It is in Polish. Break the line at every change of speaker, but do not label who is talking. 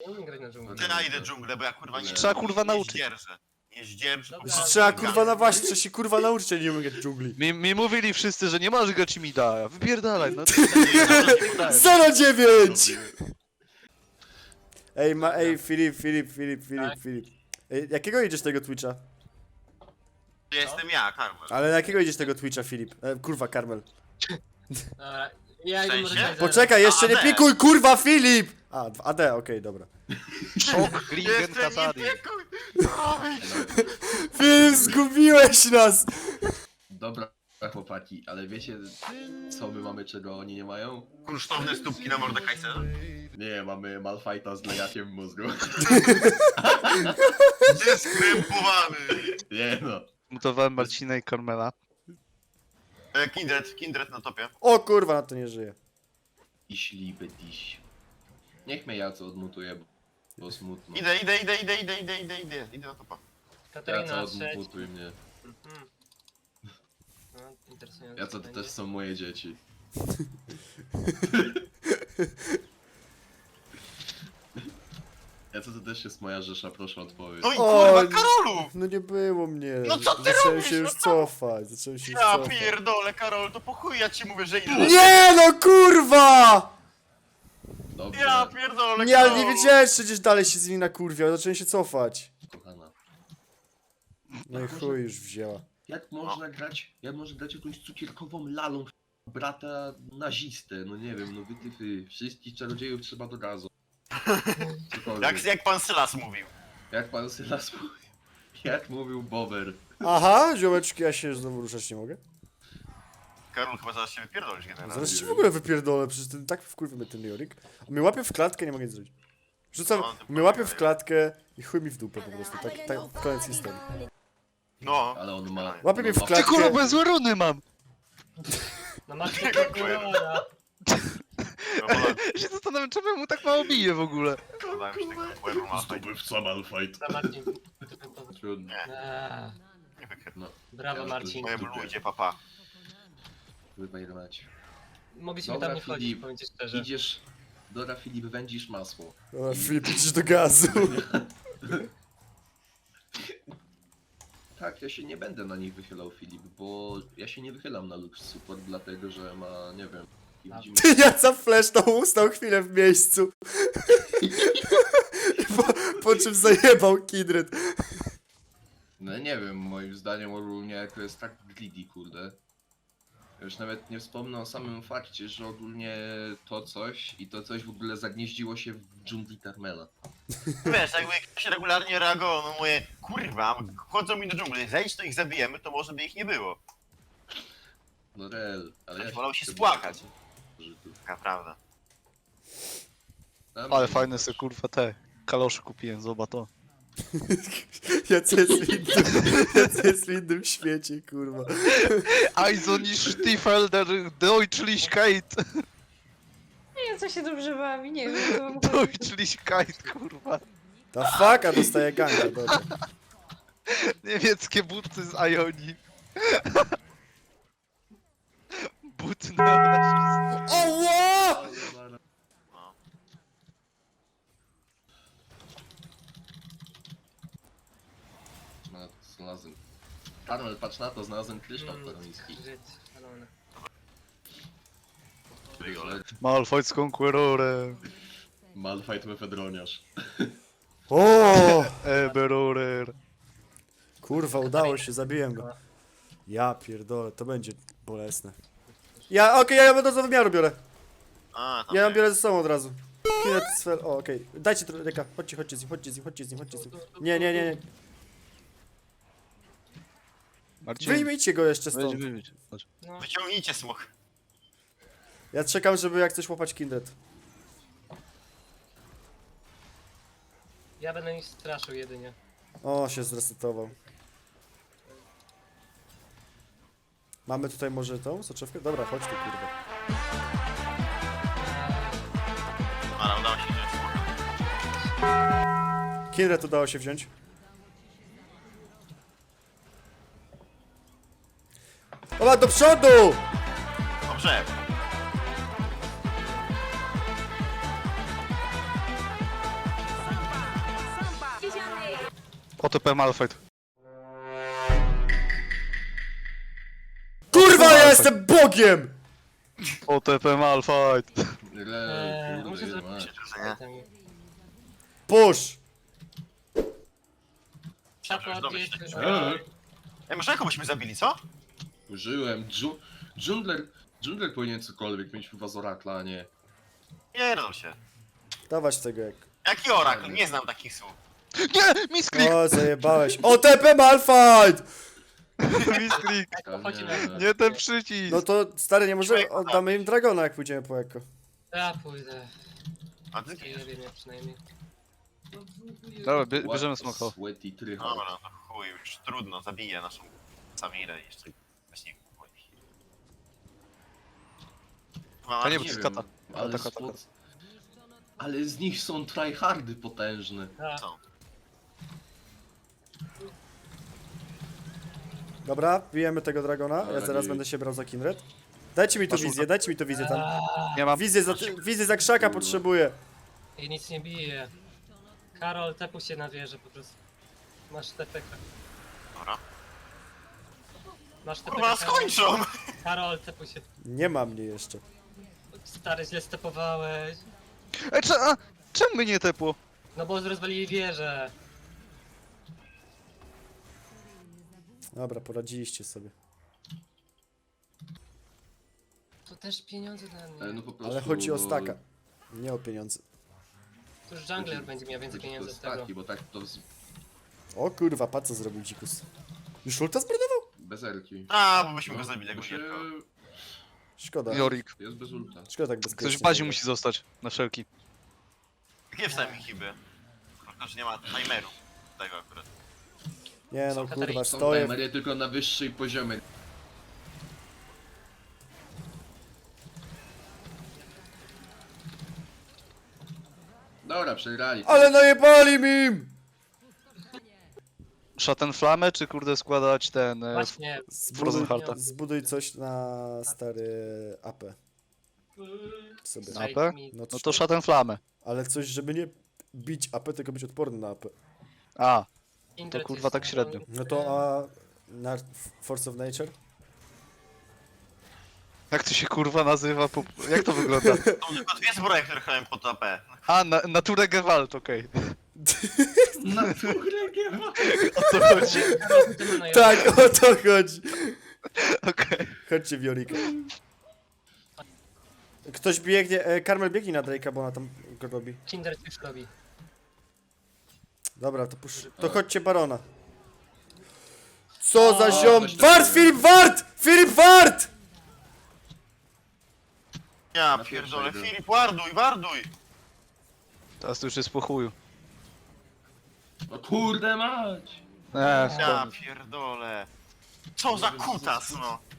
umiem grać na dżungli.
Ja idę dżunglę, bo ja kurwa nie...
Trzeba, kurwa, nauczyć.
Nie zdzierżę.
Dobra.
kurwa.
Trzeba kurwa na właśnie, trzeba się kurwa nauczyć, a nie umiem grać w dżungli.
Mi mówili wszyscy, że nie możesz grać mi da. Wypierdalaj, no.
09! Ej, Filip. Ej, jakiego idziesz tego Twitcha?
Ja jestem ja, Karmel.
Ale na jakiego idziesz tego Twitcha, Filip? Kurwa, Karmel.
Dobra, ja idę
W
może
sensie?
tak
Poczekaj, jeszcze nie
AD.
pikuj, kurwa, Filip! AD, okej, dobra.
Szok, Gringen,
Jestem
Kazari.
nie pikuj!
Filip, zgubiłeś nas!
Dobra, chłopaki, ale wiecie co my mamy, czego oni nie mają?
Kunsztowne stópki na Mordekaiserze?
Nie, mamy Malfighta z lejakiem w mózgu.
Deskrępowany!
Nie no.
Mutowałem Marcina i Carmela.
Kindred na topie.
O kurwa, na to nie żyje.
Iśli bytiś. Niech mnie ja co odmutuję, bo smutno.
Idę na topa.
Ja co
Katarina 6.
odmutuj mnie.
No, interesujące
Ja co to
będzie.
też są moje dzieci. Ja co to też jest moja rzesza, proszę odpowiedź.
No i
O,
kurwa, Karolu!
No nie było mnie.
No co ty
Zacząłem
robisz,
się już
no
cofać, zacząłem się już
Ja
cofać.
pierdolę, Karol, to po chuj ja ci mówię, że idę.
Nie no, kurwa!
Dobrze,
Ja pierdolę,
Nie, ale
Karol.
nie wiedziałem, że przecież dalej się z nimi nakurwiał, zacząłem się cofać.
kochana.
No i chuj już wzięła.
Jak można grać jakąś cukierkową lalą brata nazistę? No nie wiem, no wytyfy. Wszystkich czarodziejów trzeba do gazu. Cokolwiek.
Jak pan Sylas mówił.
Jak pan Sylas mówił. Jak mówił Bober.
Aha, ziomeczki, ja się znowu ruszać nie mogę.
Karol, chyba zaraz się wypierdolisz generalnie.
Zaraz ci w ogóle wypierdolę, przecież ten tak wkurwy mnie ten Jorik. On mnie łapie w klatkę, nie mogę nic zrobić. Rzucam,
No, to
mnie łapie w klatkę i chuj mi w dupę po prostu, tak koniec historii.
No.
Ale on ma...
Łapie mnie w
on ma-
Ty
klatkę.
kurwa, bez runy mam!
No masz takiego
Dziękuję.
kolora.
Ja się zastanawiam, czemu mu tak mało bije w ogóle.
Zdobywca Malfight.
Dobra, Marcin.
Trudno.
Eee,
Nie wykrył.
No,
Brawo, Marcin.
Moje blujcie, papa.
wybajrować.
Mogliśmy
Dobra,
tam nie wchodzić,
Filip,
powiem ci szczerze.
Idziesz... Dobra, Filip, wędzisz masło.
O, Filip, idziesz do gazu.
Tak, ja się nie będę na nich wychylał, Filip, bo ja się nie wychylam na Lux Support, dlatego że ma, nie wiem... taki
Ty, ja za fleszną ustał chwilę w miejscu. po czym zajebał Kindred.
No nie wiem, moim zdaniem ogólnie to jest tak greedy, kurde. Już nawet nie wspomnę o samym fakcie, że ogólnie to coś w ogóle zagnieździło się w dżungli Carmela.
Wiesz, jakby ktoś regularnie reagował na moje kurwa, chodzą mi do dżungli, zejdź to ich zabijemy, to może by ich nie było.
No rel, ale ja
Wolał się
chyba-
spłakać.
że tu-
Taka prawda.
Tam-
Ale fajne se kurwa te kalosze kupiłem, zobacz to.
Jacy jest w innym świecie, kurwa.
Also nicht Stiefelder Deutschlichkeit.
Nie wiem, co się dobrze bawi, nie wiem, co mam powiedzieć.
Deutschlichkeit, kurwa.
Ta faka dostaje ganka, dobra.
Niemieckie buty z Ioni. Buty neonazistów.
Oła!
No, znalazłem. Karmel, patrz na to, znalazłem kryształ koroński.
Żyd, szalony.
Malfight z Conquerorem.
Malfight mefedroniarz.
O!
Eberorer.
Kurwa, udało się, zabiłem go. Ja pierdolę, to będzie bolesne. Ja, okej, ja do wymiaru biorę.
A, tam
Ja ją
nie.
biorę ze sobą od razu. Kinet sfer, o okej. Dajcie trochę, reka, chodźcie z nim. Nie.
Marcin,
Wyjmijcie go jeszcze stąd.
wyjdź. Chodź.
No,
Wyciągnijcie smok.
Ja czekam, żeby jak coś łapać Kindred.
ja będę ich straszył jedynie.
O, się zresetował. Mamy tutaj może tą soczewkę? Dobra, chodź tu, kurwa.
Ale udało się wziąć smoka.
Kindred udało się wziąć. Ola, do przodu!
Dobrze.
OTP Malfight.
Kurwa, ja jestem Bogiem!
OTP Malfight.
Muszę
Kurde,
zrobić
mać.
item.
Push!
Szako, gdzie jest...
Ej, może jaką byśmy zabili, co?
Użyłem. Dżungler powinien cokolwiek mieć chyba z Orakla, a nie.
Nie rodzą się.
Dawać tego jak...
Jaki orakl? Nie znam takich słów.
Nie! Misklik!
O, zajebałeś. OTP Malfight!
Misklik!
Chodź
Nie.
Nie ten przycisk!
No to, stary, nie może oddamy im Dragona, jak pójdziemy po Eko.
Ja pójdę.
A ty?
Nie wiem, ja przynajmniej.
Dobra, bierzemy
What a
smoka.
Sweaty tryhard.
Dobra, no to chuj, już trudno, zabiję naszą Samirę jeszcze. Właśnie chuj.
To nie
Nie
był
wiem,
kata.
ale,
Kata.
ale z nich są tryhardy potężne.
A,
Co?
Dobra, bijemy tego Dragona. Ja
Dobra,
zaraz
bij.
będę się brał za Kindred. Dajcie mi tu
Masz
wizję, dajcie mi tu wizję tam.
Nie mam.
Wizję za krzaka potrzebuję.
i nic nie bije. Karol, tepu się na wieżę po prostu. Masz TPK.
Dobra.
Masz TPK.
Kurwa, skończą!
Karol, tepu się.
Nie ma mnie jeszcze.
Stary, źle stepowałeś.
Czemu mnie nie tepło?
No bo rozwalili wieżę.
Dobra, poradziliście sobie.
To też pieniądze dla mnie.
Ale no po prostu...
Ale chodzi o staka. Nie o pieniądze.
To już jungler będzie miał więcej
chodzi
pieniędzy
o
z tego.
staki, bo tak to
O kurwa, patrz co zrobił dzikus. Już ulta zbrodował?
bez erki.
A, bo byśmy go zabili, jak
Bo
go
się...
Szkoda.
Jorik.
Jest bez ulta.
Szkoda tak bezpiecznie.
Ktoś w bazie musi zostać. Na wszelki.
Jakie wstałem hiby? Tylko, że nie ma timeru. Tego akurat.
Nie no
Są
kurwa,
Katarzyny.
Są
stoję.
timery tylko na wyższej poziomie. Dobra, przegrali.
Ale najebali mi im!
Szaten flamę, czy kurde składać ten...
Właśnie.
Frozen
Zbuduj,
Hearta.
zbuduj coś na stary AP. Sobie.
Na AP?
No,
No to szaten flamę.
Ale coś, żeby nie bić AP, tylko być odporny na AP.
A,
Kindred
kurwa
jest
tak średnio.
No to a na Force of Nature?
jak to się kurwa nazywa? Jak to wygląda?
Są tylko dwie zbroje, które chronią pod AP.
A, Nature Gewalt, okej.
Naturę nie ma.
O co chodzi?
Tak, o to chodzi.
Okej.
Chodźcie w Jorika. Ktoś biegnie, Karmel biegnie na Drake'a, bo ona tam go robi.
Kindred już robi.
Dobra, to chodźcie Barona. Co za ziom!
coś
Wart,
takiego.
Filip Wart! Filip Wart!
Ja
Na
pierdolę,
pierwszej był.
Filip, warduj, warduj!
Teraz to już jest po chuju.
No kurde mać!
Nie,
Ja pierdolę. Co za kutas, no!